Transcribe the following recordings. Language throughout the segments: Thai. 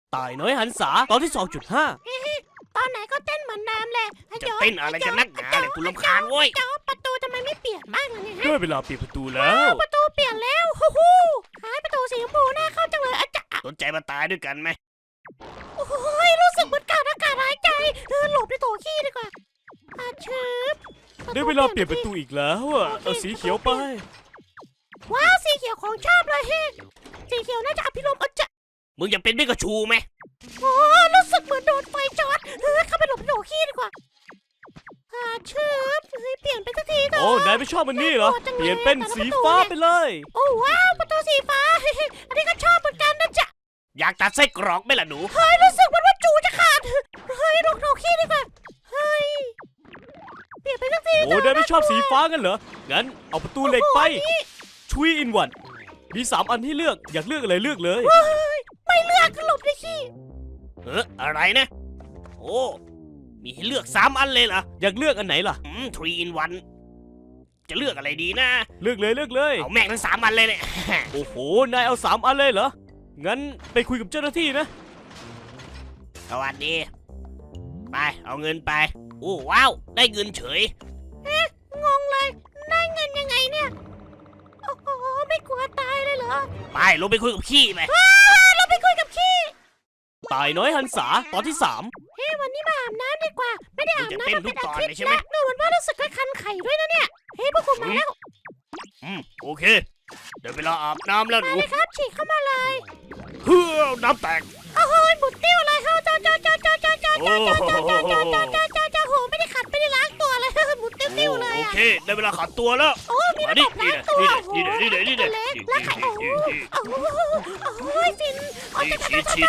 ตายน้อยหันษาตอนที่ 2.5 ตอนไหนก็เต้นเหมือนเดิมเลยจะเต้นอะไรกันนักหนาเนี่ยกูรำคาญเว้ยจอประตูทำไมไม่เปลี่ยนบ้างล่ะเนี่ยได้เวลาปิดประตูแล้วประตูเปลี่ยนแล้วฮู้ฮู้หายประตูสีชมพูน่าเข้าจังเลยอาจารย์สนใจมาตายด้วยกันไหมโอ้ยรู้สึกเหมือนขาดอากาศหายใจหลบในโถขี้ดีกว่าชืบได้เวลาเปลี่ยนประตูอีกแล้วอ่ะเอาสีเขียวไปว้าวสีเขียวของชอบเลยเฮ้สีเขียวน่าจะอภิรมย์อาจารย์มึงอยากเป็นพิกาชูไหมโอ้รู้สึกเหมือนโดนไฟช็อตเข้าไปหลบในโถขี้ดีกว่าชืบเปลี่ยนไปสักทีเถอะโอ้นายไม่ชอบมันนี่เหรอ เปลี่ยนเป็นสีฟ้าไปเลยโอ้ว้าวประตูสีฟ้า อันนี้ก็ชอบเหมือนกันนะจ๊ะอยากตัดไส้กรอกไหมล่ะหนูเฮ้ยรู้สึกเหมือนว่าจูจะขาดเฮ้ยลงโถขี้ดีกว่าเฮ้ยเปลี่ยนไปสักทีโอ้นายไม่ชอบสีฟ้ากันเหรอ งั้นเอาประตูเหล็กไปชุยอินวันมี3 อันให้เลือกอยากเลือกอะไรเลือกเลยไม่เลือกหลบในขี้อะไรนะโอ้มีให้เลือก3 อันเลยเหรออยากเลือกอันไหนล่ะ 3 in 1จะเลือกอะไรดีนะเลือกเลยเลือกเลยเอาแม่งทั้ง3 อันเลยเนี่ยโอ้โหนายเอา3 อันเลยเหรอ งั้นไปคุยกับเจ้าหน้าที่นะสวัสดีไปเอาเงินไปโอ้ว้าวได้เงินเฉยงงเลยได้เงินยังไงเนี่ยโอ้โหไม่กลัวตายเลยเหรอไปลงไปคุยกับขี้ไปเราไปคุยกับขี้ตายน้อยหันษาตอนที่เฮ้ยวันนี้มาอาบน้ำดีกว่าไม่ได้อาบจะน้ำเต้นมาทุเป็กนอาตอนทิตเลยย์ใช่ไหมแล้วเหมือนว่ารู้สึกว่าคันไข่ด้วยนะเนี่ยเฮ้ยพวกคุณมาแล้วโอเคเดี๋ยวเวลาอาบน้ำแล้วหมานูเลยครับฉีกเข้ามาเลยเฮ้ยน้ำแตกโอ้โหหมุนติ้วเลยเขาจ้าโหไม่ได้ขัดไม่ได้ล้างตัวเลยหมุนติ้วเลยโอเคได้เวลาขัดตัวแล้วโอ้มีมาระดิบบล้างตัวนี่แล้วไข่โอ้โหฟินฉี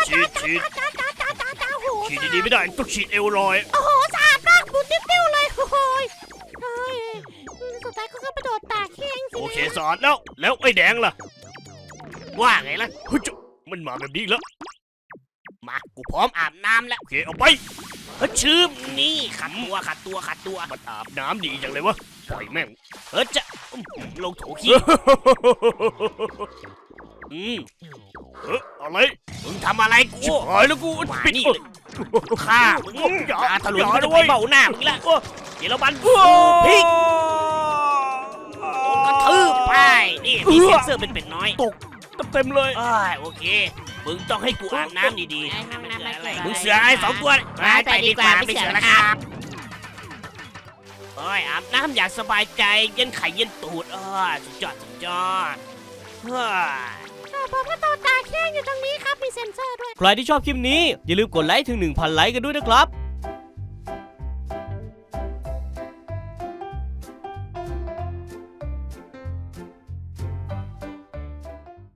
ดดีๆไม่ได้ต้องฉีดเอวลอยโอ้โหสะอาดมากหมุนติ้วเลยโอ้โหสุดท้ายก็กระโดดตากแห้งสิโอเคสอนแล้วไอ้แดงล่ะว่าไงล่ะเฮ้ยจุมันมาแบบนี้แล้วมากูพร้อมอาบน้ำแล้วโอเคเอาไปชืบนี่ขัดตัวมันอาบน้ำดีจังเลยวะปล่อยแม่งจะลงโถขี้อะไรมึงทำอะไรกูหายแล้วกูปิดนี่ฆ่ามึงตาถลุนจะไปเบ้าหน้ามึงละเดี๋ยวเราบันพิกกระทืบไปนี่มีเซ็นเซอร์เป็นเป็ดน้อยตกเต็มเลยโอเคมึงต้องให้กูอาบน้ำดีๆมึงเสือไอ้2 ตัวไปดีกว่าไม่เสือแล้วครับโอ้ยอาบน้ำอย่างสบายใจเย็นไข่เย็นตูดสุดยอดผมก็โดนตากแห้งอยู่ตรงนี้ครับมีเซ็นเซอร์ด้วยใครที่ชอบคลิปนี้อย่าลืมกดไลค์ถึง 1,000 ไลค์กันด้วยนะครับ